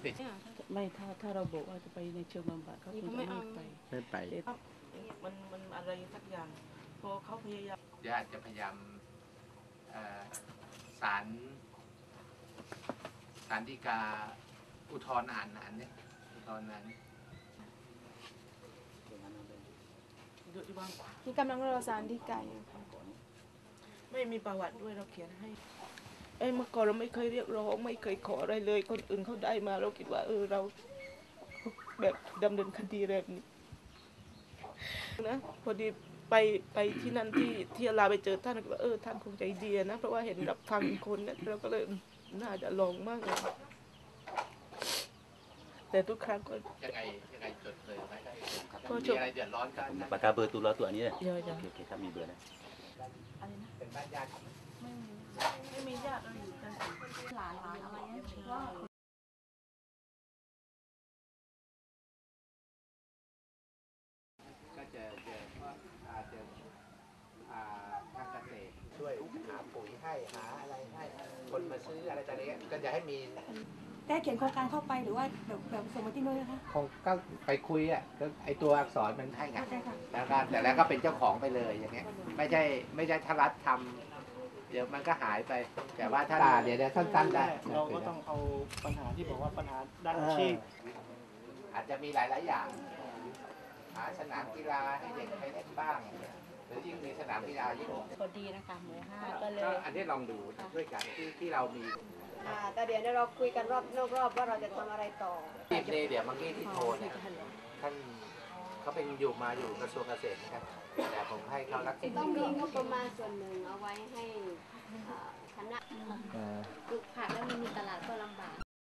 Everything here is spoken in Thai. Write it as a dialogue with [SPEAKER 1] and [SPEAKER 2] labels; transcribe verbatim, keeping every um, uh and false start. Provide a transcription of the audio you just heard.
[SPEAKER 1] ติด
[SPEAKER 2] ไม่ถ้าถ้าเราบอกว่าจะไปในเชิงบำบัดเขาคงจะไม่ไป
[SPEAKER 1] ไม่ไป
[SPEAKER 2] มันมันอะไรสักอย่างพอเขาพยายาม
[SPEAKER 1] ญาติจะพยายามศาลศาลฎีกาอุทธรณ์อ่านนั้นเนี่ยอุทธรณ์นั้น
[SPEAKER 3] ที่กำลังรอศาลฎีกา
[SPEAKER 2] ไม่มีประวัติด้วยเราเขียนให้เอ้เมื่อก่อนเราไม่เคยเรียกร้องไม่เคยขออะไรเลยคนอื่นเขาได้มาเราคิดว่าเออเราแบบดำเนินคดีแบบนี้นะพอดีไปไปที่นั่นที่ที่ลาไปเจอท่านก็ว่าเออท่านคงใจดีนะเพราะว่าเห็นรับฟังคนเนี่ยเราก็เลยน่าจะลองมากเลยแต่ทุกครั้งก็
[SPEAKER 1] ยังไงยังไงจดเลยไหมก็มีอะไรเดือดร้อนกัน
[SPEAKER 4] ปากกาเบอร์ตัวเราตัวนี้เลย
[SPEAKER 2] เยอะจัง
[SPEAKER 4] โอเคครับมีเบอร์นะ
[SPEAKER 1] เป็นบ้านญาติ
[SPEAKER 2] ไม่มีไม่มีญาติเราอยู่กัน
[SPEAKER 3] หลานหลานอะไรเนี่ยว่า
[SPEAKER 1] ก็จะจะอาจจะทางเกษตรช่วยหาปุ๋ยให้หาอะไรให้คนมาซื้ออะไรต่างๆก็จะให้มี
[SPEAKER 3] ได้เขียนโครงการเข้าไปหรือว่าแบบแบบส่งมาที่นู้นนะคะ
[SPEAKER 1] คงก็ไปคุยอ่ะก็ไอตัวอักษรมันให้ไงแล้วก็แต่แล้วก็เป็นเจ้าของไปเลยอย่างเงี้ยไม่ใช่ไม่ใช่ถ้ารัฐทำเดี๋ยวมันก็หายไปแต่ว่าถ้าเดี๋ยวสั้นๆได้
[SPEAKER 5] เราก็ต้องเอาปัญหาที่บอกว่าปัญหาด้านอาชีพ
[SPEAKER 1] อาจจะมีหลายๆอย่างหาสนามกีฬาให้เด็กไปเล่นบ้างหรือยิ่งมีสนามกีฬายิ่ง
[SPEAKER 6] พอดีนะคะหมู่ห้าก็เลย
[SPEAKER 1] อันนี้ลองดูด้วยกันที่ที่เรามี
[SPEAKER 7] แต่เดี๋ยวเราคุยกันรอบนอกรอบว่าเราจะทำอะไรต่อ
[SPEAKER 1] ทีมเเดี๋ยวเมื่อกี้ที่โทรเนี่ยท่านเขาเป็นอยู่มาอยู่กระทรวงเกษตรนะครับแต่ผมให้เขารักษา
[SPEAKER 7] ต้องมีงบประมาณส่วนหนึ่งเอาไว้ให้คณะ